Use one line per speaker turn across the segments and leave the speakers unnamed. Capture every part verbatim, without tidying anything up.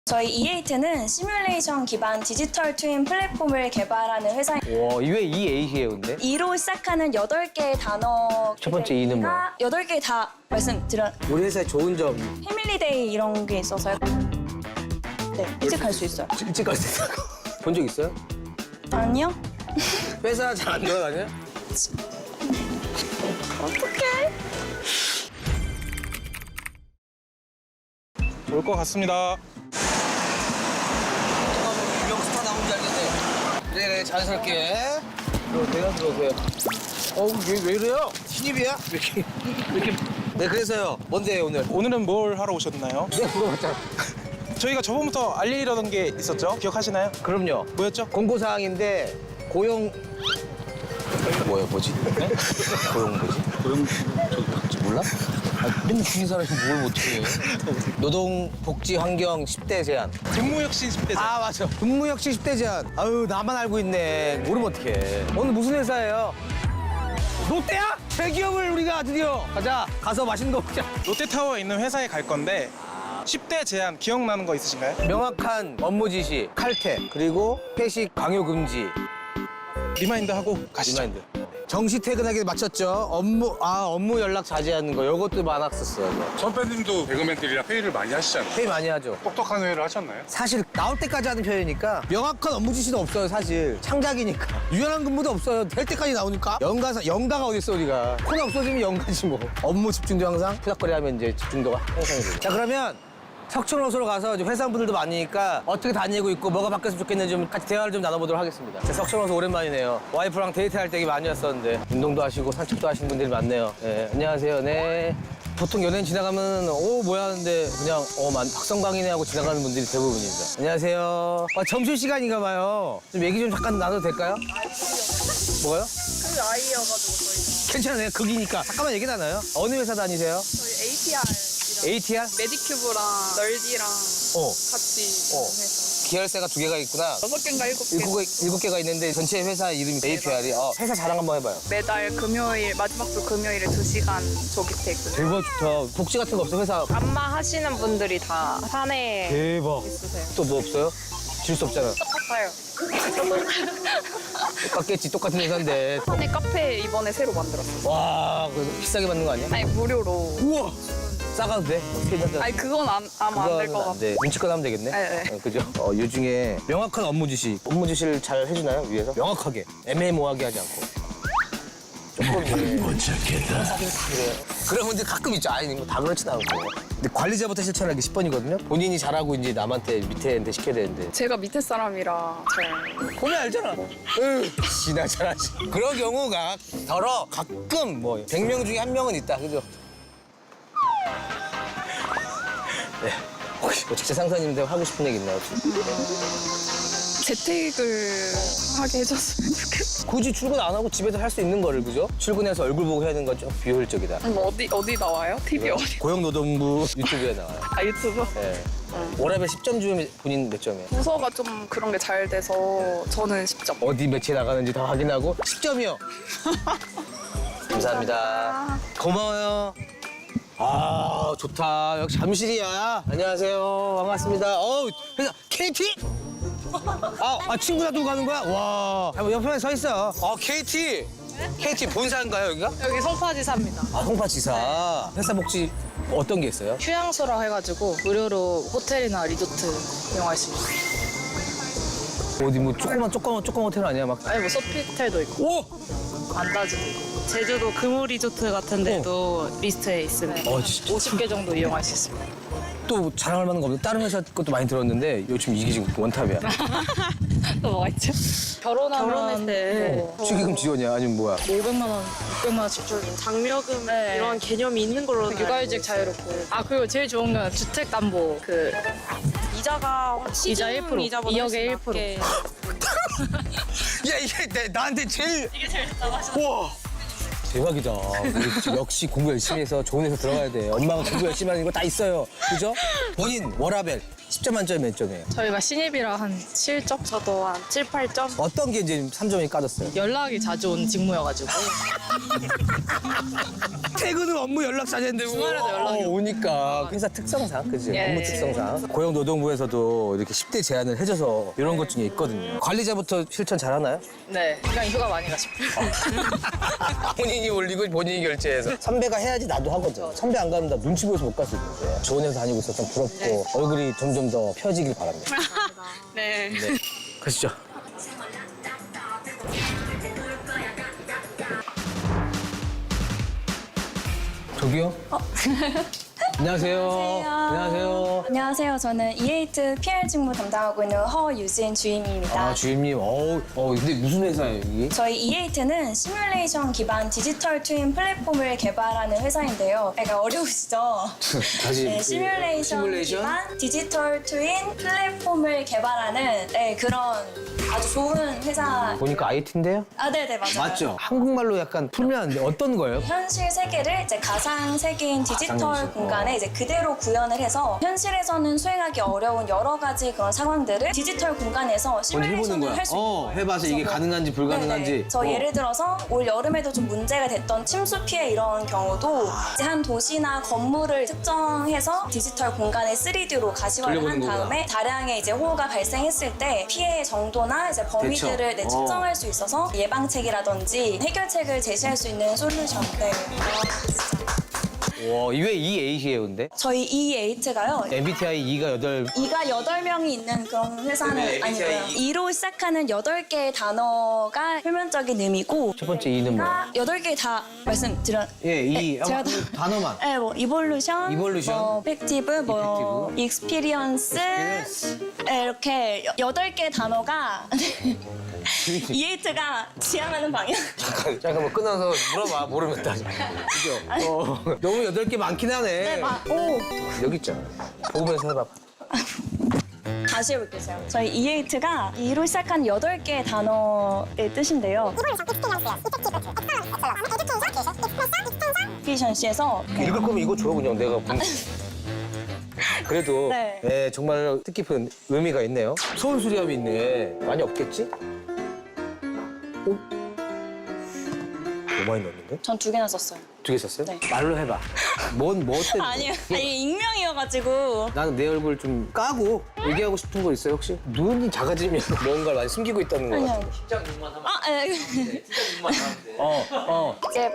저희 이에이트는 시뮬레이션 기반 디지털 트윈 플랫폼을 개발하는 회사입니다.
와, 이왜 이 에이트예요, 근데?
이로 시작하는 여덟 개의 단어.
첫 번째 이는 뭐야?
여덟 개 다 말씀드려.
우리 회사의 좋은 점.
패밀리데이 이런 게 있어서요. 네, 일찍 갈 수 있어요.
일찍 갈 수 있어요? 본 적 있어요?
아니요?
회사 잘 안 돌아다녀요?
어떡해?
좋을 것 같습니다.
유명 스타 나온 줄 알겠네. 그래, 그래, 자연스럽게. 들어오세요, 들어오세요. 어우, 왜, 왜 이래요? 신입이야? 왜 이렇게, 왜 이렇게. 네, 그래서요. 뭔데요, 오늘?
오늘은 뭘 하러 오셨나요?
네, 그거 맞잖아.
저희가 저번부터 알리려던 게 있었죠? 기억하시나요?
그럼요.
뭐였죠?
공고사항인데, 고용. 뭐야, 뭐지? 네? 고용 뭐지? 고용, 저, 몰라? 아, 맨날 죽인 사람이 뭘 못해. 노동복지환경 십 대 제한.
근무혁신 십 대
아, 맞아. 근무혁신 십 대 제한. 아유, 나만 알고 있네. 모르면 어떡해. 오늘 무슨 회사예요? 롯데야? 대기업을 우리가 드디어 가자. 가서 맛있는 거 먹자.
롯데타워에 있는 회사에 갈 건데 십 대 제한 기억나는 거 있으신가요?
명확한 업무 지시, 칼퇴, 그리고 회식 강요 금지.
리마인드 하고 가시죠.
리마인드. 정시 퇴근하기에 맞췄죠. 업무, 아, 업무 연락 자제하는 거. 요것도 많았었어요. 이거.
선배님도 개그맨들이랑 회의를 많이 하시잖아요.
회의 많이 하죠.
똑똑한 회의를 하셨나요?
사실 나올 때까지 하는 편이니까 명확한 업무 지시도 없어요, 사실. 창작이니까. 유연한 근무도 없어요. 될 때까지 나오니까. 연가사, 연가가 어딨어, 우리가. 코너 없어지면 연가지 뭐. 업무 집중도 항상 푸닥거리 하면 이제 집중도가 향상이 되죠. 자, 그러면 석촌호수로 가서 이제 회사분들도 많으니까 어떻게 다니고 있고 뭐가 바뀌었으면 좋겠는지 좀 같이 대화를 좀 나눠보도록 하겠습니다. 자, 석촌호수 오랜만이네요. 와이프랑 데이트할 때 많이 왔었는데 운동도 하시고 산책도 하시는 분들이 많네요. 네, 안녕하세요. 네. 보통 연예인 지나가면 오 뭐야 하는데 그냥 어 만 박성광이네 하고 지나가는 분들이 대부분입니다. 안녕하세요. 아, 점심시간인가 봐요. 좀 얘기 좀 잠깐 나눠도 될까요? 뭐요?
그 아이여가지고 저희
괜찮아요. 극이니까. 잠깐만 얘기 나눠요. 어느 회사 다니세요?
저희 에이티알이랑
에이티알?
메디큐브랑 널디랑
어.
같이
어.
해서
계열사가 두 개가 있구나.
여섯 개인가 일곱 개
일곱, 개, 일곱 개가 있는데 전체 회사 이름이 에이피알이. 어, 회사 자랑 한번 해봐요.
매달 금요일 마지막 주 금요일에 두 시간 조기퇴근.
대박 좋다. 복지 같은 거 없어 회사?
안마 하시는 분들이 다 사내에
대박.
있으세요.
또 뭐 없어요? 질 수 없잖아.
똑같아요.
똑같겠지. 똑같은 회사인데.
사내 카페 이번에 새로 만들었어요.
와, 그래서 비싸게 받는 거 아니야?
아니 무료로.
우와. 싸가도 돼? 어떻게 한잔?
아니 그건 안, 아마 안 될 것 같아요.
돼. 눈치껏 하면 되겠네.
네, 네.
어, 그죠? 어, 요 중에 명확한 업무 지시. 업무 지시를 잘 해주나요, 위에서? 명확하게. 애매모호하게 하지 않고. 조금 못 찾겠다. 그래요. 그런 분들 가끔 있죠. 아니, 뭐 다 그렇진 않고. 근데 관리자부터 실천하기 십 번이거든요. 본인이 잘하고 이제 남한테 밑에한테 시켜야 되는데.
제가 밑에 사람이라 잘.
보면 알잖아. 으, 지나 잘하지. 그런 경우가 더러 가끔 뭐 백 명 중에 한 명은 있다. 그죠? 네. 혹시 뭐 직장 상사님들 하고 싶은 얘기 있나요?
재택을 하게 해줬으면 좋겠어요.
굳이 출근 안 하고 집에서 할 수 있는 거를, 그죠? 출근해서 얼굴 보고 해야 되는 건 좀 비효율적이다.
뭐 어디 어디 나와요? 티비 어디?
고용노동부 유튜브에 나와요.
아 유튜브?
네. 워라벨 십 점 주면 본인 몇 점이에요?
부서가 좀 그런 게 잘 돼서 저는 십 점.
어디 매체 나가는지 다 확인하고 십 점이요. 감사합니다. 고마워요. 아, 좋다. 역시 잠실이야. 안녕하세요. 반갑습니다. 어우, 회사 케이티? 아, 아 친구 놔두고 가는 거야? 와. 야, 뭐 옆에 서 있어. 아, 케이티. 케이티 본사인가요, 여기가?
여기 송파지사입니다.
아, 송파지사. 회사 복지 어떤 게 있어요?
휴양소라 해가지고 무료로 호텔이나 리조트 이용할 수 있어요.
어디 뭐 조그만 조그만 조그만 호텔 아니야? 막.
아니 뭐 소피텔도 있고
오!
안다지도 있고 제주도 금우 리조트 같은 데도 리스트에 있습니다.
어, 진짜.
오십 개 정도 이용할 수 있습니다.
또 자랑할 만한 거 없는데 다른 회사 것도 많이 들었는데 요즘 이게 지금 원탑이야.
또 뭐가 있죠? 결혼하면
결혼할 때
뭐
축의금 지원이야? 아니면 뭐야?
오백만 원, 육백만 원씩 줘.
장려금
네.
이런 개념이 있는 걸로 알고
육아휴직
있어요.
자유롭고. 아 그리고 제일 좋은 건 주택담보 그
이자가 시중
이자 일 퍼센트,
이자보다
이억에
훨씬
일 퍼센트.
낮게
야 이게 내, 나한테 제일 이게 제일 와 대박이다. 우리 역시 공부 열심히 해서 좋은 회사 들어가야 돼. 엄마가 공부 열심히 하는 거 다 있어요. 그죠? 본인 워라벨 십 점 만점에 몇 점이에요?
저희가 신입이라 한 칠 점?
저도 한 칠, 팔 점?
어떤 게 이제 삼 점이 까졌어요?
연락이 자주 온 직무여가지고.
퇴근 후 업무 연락 자제인데
주말에도 연락이
어, 오니까 회사 특성상 그지
예,
업무
예.
특성상 고용노동부에서도 이렇게 십 대 제한을 해줘서 이런 것 중에 있거든요. 관리자부터 실천 잘하나요?
네, 그냥 휴가 많이 가시고.
본인이 올리고 본인이 결제해서 선배가 해야지 나도 하거든. 선배 안 가면 나 눈치 보여서 못 갈 수 있는데 좋은 회사 다니고 있어서 좀 부럽고 얼굴이 점점 더 펴지길 바랍니다.
네.
네, 가시죠. 저기요? 안녕하세요. 안녕하세요.
안녕하세요. 저는 이에이트 피알 직무 담당하고 있는 허유진 주임입니다.
아, 주임님. 어우, 어, 근데 무슨 회사예요, 이게?
저희 이에이트는 시뮬레이션 기반 디지털 트윈 플랫폼을 개발하는 회사인데요. 약간 어려우시죠?
다시.
네, 시뮬레이션,
시뮬레이션?
기반 디지털 트윈 플랫폼을 개발하는 네, 그런 아주 좋은 회사.
보니까 아이티인데요?
아, 네네, 맞아요.
맞죠? 한국말로 약간 풀면 안 돼. 어떤 거예요?
현실 세계를 이제 가상 세계인 디지털
가상
공간에 이제 그대로 구현을 해서 현실에서는 수행하기 어려운 여러 가지 그런 상황들을 디지털 공간에서 시뮬레이션을 할 수 있는
어,
거예요.
해봐서 이게
그래서
가능한지 불가능한지.
네네. 저
어.
예를 들어서 올 여름에도 좀 문제가 됐던 침수 피해 이런 경우도 이제 한 도시나 건물을 특정해서 디지털 공간에 쓰리디로 가시화를 한
돌려보는 거구나.
다음에 다량의 이제 호우가 발생했을 때 피해의 정도나 이제 범위들을 네,
대처.
측정할 수 있어서 예방책이라든지 해결책을 제시할 수 있는 솔루션. 네.
와, 왜 이 에잇이에요, 근데?
저희 이에이트가요.
엠비티아이 이가 여덟.
이가 여덟 명이 있는 그런 회사는
네,
아니고요. 이로 시작하는 여덟 개의 단어가 표면적인 의미고
첫 번째 이는 뭐야?
여덟 개 다 말씀드려.
예, 이.
네, 제가
아,
다-
단어만.
네, 뭐 이볼루션,
이볼루션.
뭐 팩티브, 뭐 익스피리언스 네, 이렇게 여- 여덟 개 단어가 이에이트가 지향하는 방향.
잠깐, 잠깐만 끊어서 물어봐, 모르면 다. 그죠? 어, 너무 여덟 개 많긴 하네.
네, 막, 오.
여기 있잖아. 보면서 해봐.
다시 해볼게요. 제가. 저희 이에이트가 이로 시작한 여덟 개의 단어의 뜻인데요. 피션시에서
읽을 거면 이거 줘, 그냥 내가. 본- 그래도
네.
예, 정말 뜻깊은 의미가 있네요. 소원 수리함이 있네. 많이 없겠지? 어? 너무 많이 넣었는데?
전 두 개나 썼어요.
두 개 썼어요?
네.
말로 해봐. 뭔, 뭐 때문에?
아니요. 아니, 익명이어가지고.
나는 내 얼굴 좀 까고 얘기하고 싶은 거 있어요, 혹시? 눈이 작아지면 뭔가를 많이 숨기고 있다는 거
아니요.
같아.
직장 눈만 하면
아, 예.
어, 어.
이제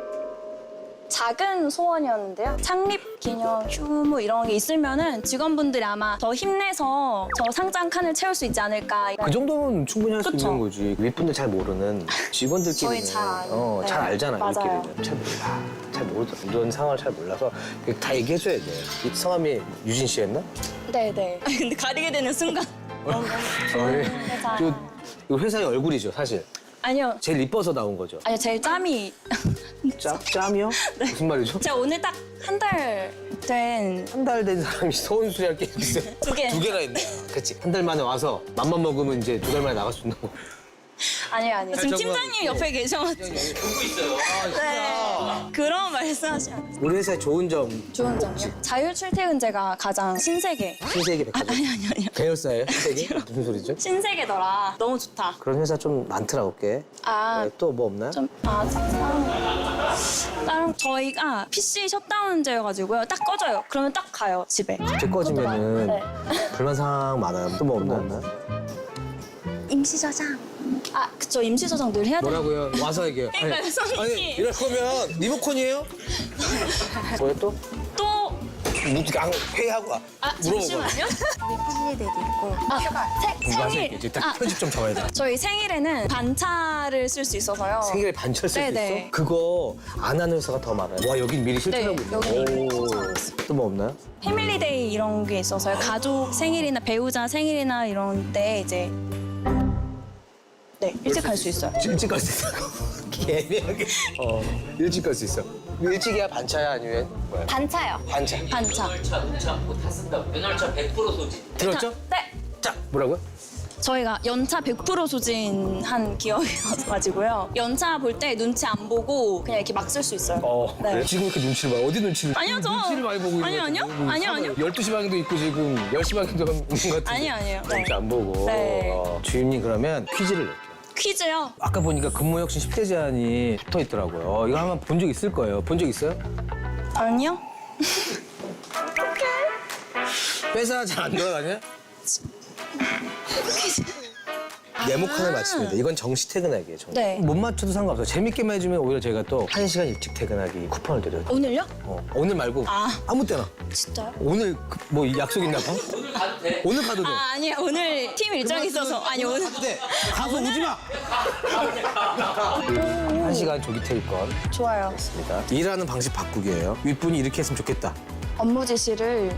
작은 소원이었는데요. 창립 기념 휴무 이런 게 있으면은 직원분들이 아마 더 힘내서 저 상장 칸을 채울 수 있지 않을까. 이런.
그 정도면 충분히 할 수
그쵸.
있는 거지. 윗분들 잘 모르는 직원들끼리는
저희 잘 아는.
어,
네.
잘 알잖아,
맞아요.
우리끼리는. 잘 몰라. 잘 모르더라. 이런 상황을 잘 몰라서 다 얘기해줘야 돼. 이 성함이 유진 씨였나?
네네. 아니, 근데 가리게 되는 순간. 너무 너무 좋은 회사.
저, 이거 회사의 얼굴이죠, 사실.
아니요.
제일 이뻐서 나온 거죠.
아니요, 제일 짬이.
짭, 짬이요?
네.
무슨 말이죠?
제가 오늘 딱 한 달 된.
한 달 된 사람이 서운수리 할게 있어요.
두 개.
두 개나 있네. 그치. 한 달 만에 와서 맘만 먹으면 이제 두 달 만에 나갈 수 있는 거.
아니요, 아니요. 지금
정말
팀장님 옆에 계셔가지고.
보고 있어요.
네. 그런 말씀하시면
우리 회사의 좋은 점.
좋은 점이요. 자율 출퇴근제가 가장 신세계.
신세계 백화점.
아니, 아니, 아니요.
계열사예요? 신세계? 무슨 소리죠?
신세계더라. 너무 좋다.
그런 회사 좀 많더라고, 꽤.
아,
또 뭐 없나요?
좀, 아, 다른, 다른, 저희가 피씨 셧다운제여가지고요. 딱 꺼져요. 그러면 딱 가요, 집에.
제 꺼지면은
네.
불만 사항 많아요. 또 뭐 없나요?
임시 저장. 아, 그쵸. 임시 저장 늘 해야 돼요.
뭐라고요? 와서 얘기해요.
그러니까요, 선생님.
아니, 이럴 거면 리모컨이에요? 뭐야 또?
또,
무- 양 회의하고 와.
아,
물어보고.
잠시만요. 우리 팬미들도 있고. 아, 생,
누가
생일.
이제 딱
아,
편집 좀 잡아야 돼.
저희 생일에는 반차를 쓸 수 있어서요.
생일에 반철 쓸 수
네네.
있어? 그거 안 하는 회사가 더 많아요. 와, 여긴 미리 실천하고
네,
있네.
여기
오. 또 뭐 없나요?
패밀리데이 이런 게 있어서요. 가족 생일이나 배우자 생일이나 이런 때 이제 네 일찍 갈 수 있어요.
일찍 갈 수 있어. 애매하게. 어, 일찍 갈 수 있어. 일찍이야 반차야 아니면 뭐야?
반차요.
반차.
반차.
면허차, 운차 다 쓴다고. 면허차 백 퍼센트 소지.
들었죠?
네.
자, 뭐라고요?
저희가 연차 백 퍼센트 소진한 기업이어가지고요. 연차 볼 때 눈치 안 보고 그냥 이렇게 막 쓸 수 있어요.
어,
네.
그래? 지금 이렇게 눈치를 봐요. 어디 눈치를?
아니요, 저-
눈치를 많이 보고 있는
아니요,
것
아니요.
같은데.
아니요, 아니요.
열두 시 방향도 있고 지금 열 시 방향도 있는 것 같은데.
아니요, 아니요. 네.
눈치 안 보고.
네.
어, 주임님 그러면 퀴즈를 낼게요.
퀴즈요?
아까 보니까 근무혁신 십 대 제한이 붙어 있더라고요. 이거 한번 본 적 있을 거예요. 본 적 있어요?
아니요.
회사 잘 안 돌아다녀? 네모 칸을 맞춥니다. 이건 정시 퇴근하기예요. 정시.
네.
못 맞춰도 상관없어요. 재밌게만 해주면 오히려 제가 또 한 시간 일찍 퇴근하기 쿠폰을 드려요.
오늘요?
어, 오늘 말고
아.
아무 때나.
진짜요?
오늘 그- 뭐 약속 있나 봐? 오늘 가도 돼. 오늘 가도 돼.
아, 아니요. 오늘 팀 일정이 있어서. 아니, 오늘.
가도 돼. 가서 오지 마. 한 시간 조기 퇴근.
좋아요.
입니다. 일하는 방식 바꾸기예요. 윗분이 이렇게 했으면 좋겠다.
업무 지시를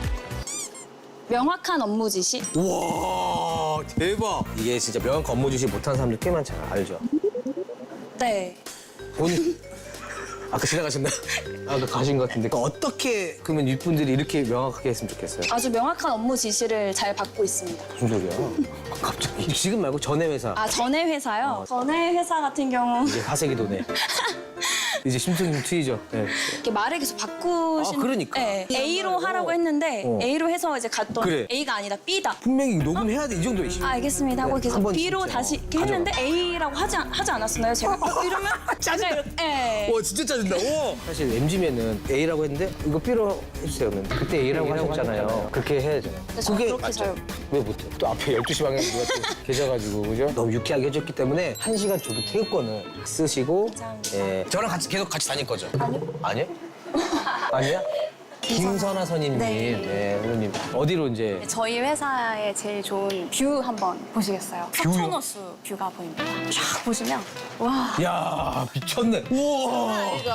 명확한 업무 지시?
우와 대박. 이게 진짜 명확한 업무 지시 못하는 사람들 꽤 많잖아. 알죠?
네.
오늘 아까 지나가셨나? 아까 가신 것 같은데. 어떻게 그러면 윗분들이 이렇게 명확하게 했으면 좋겠어요?
아주 명확한 업무 지시를 잘 받고 있습니다.
무슨 소리야? 갑자기 지금 말고 전에 회사.
아, 전에 회사요? 전에 회사 같은 경우
이제 하색이 도네. 이제 심층 트이죠. 네.
이렇게 말을 계속 바꾸신.
아, 그러니까.
네. A로 하라고 했는데
어.
A로 해서 이제 갔더니
그래.
A가 아니다 B다.
분명히 녹음해야 돼 이 정도의
아, 알겠습니다 하고
네,
계속
한번
B로
진짜
다시 이렇게
가져가.
했는데 A라고 하지, 않- 하지 않았었나요? 제가 어, 이러면
짜증나.
약간 이렇게- 네.
와 진짜 짜증나. 오. 사실 엠지면은 A라고 했는데 이거 B로 해주세요. 그러면. 그때 A라고 하셨잖아요. 그렇게 해야잖아요.
근데 저는 그렇게 잘
왜 못해? 또 앞에 열두 시 방향 누가 또 계셔가지고 그죠? 너무 유쾌하게 해줬기 때문에 한 시간 조기 퇴근권을 쓰시고
감사합니다.
예. 저랑 같이 계속 같이 다닐 거죠? 아니요. 아니요? 아니야? 김선아 선임님,
네.
네, 선생님 어디로 이제
저희 회사의 제일 좋은 뷰 한번 보시겠어요?
뷰요?
석촌호수 뷰가 보입니다. 쫙 보시면 와
야 미쳤네. 우와.
이거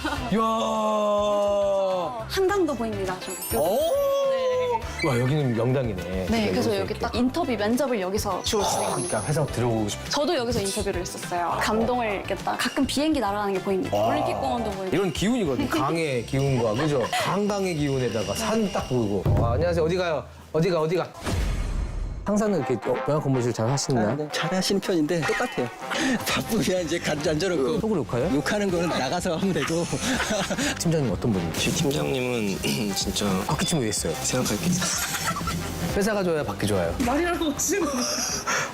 야.
한강도 보입니다. 저기.
오. 와 여기는 명당이네.
네, 그래서 여기
이렇게.
딱 인터뷰 면접을 여기서 주로 진행합니다.
그러니까 회사 들어오고 싶어.
저도 여기서 인터뷰를 했었어요. 감동을 이렇게 딱 가끔 비행기 날아가는 게 보입니다. 올림픽공원도 보이고.
이런 기운이거든. 강의 기운과 그죠? 한강의 기운에다가 산 딱 보이고. 와, 안녕하세요. 어디 가요? 어디가 어디가? 항상 이렇게 어, 명확 근무실 잘 하시나요?
네, 잘 하시는 편인데 똑같아요. 바쁘면 이제 간지 앉아놓고
속으로 욕해요?
욕하는 거는 나가서 하면 되고.
팀장님 어떤 분이지?
팀장님은 진짜
바퀴 팀 왜 있어요?
생각할 게 있어요.
회사가 좋아요, 받기 좋아요?
말이라고 지금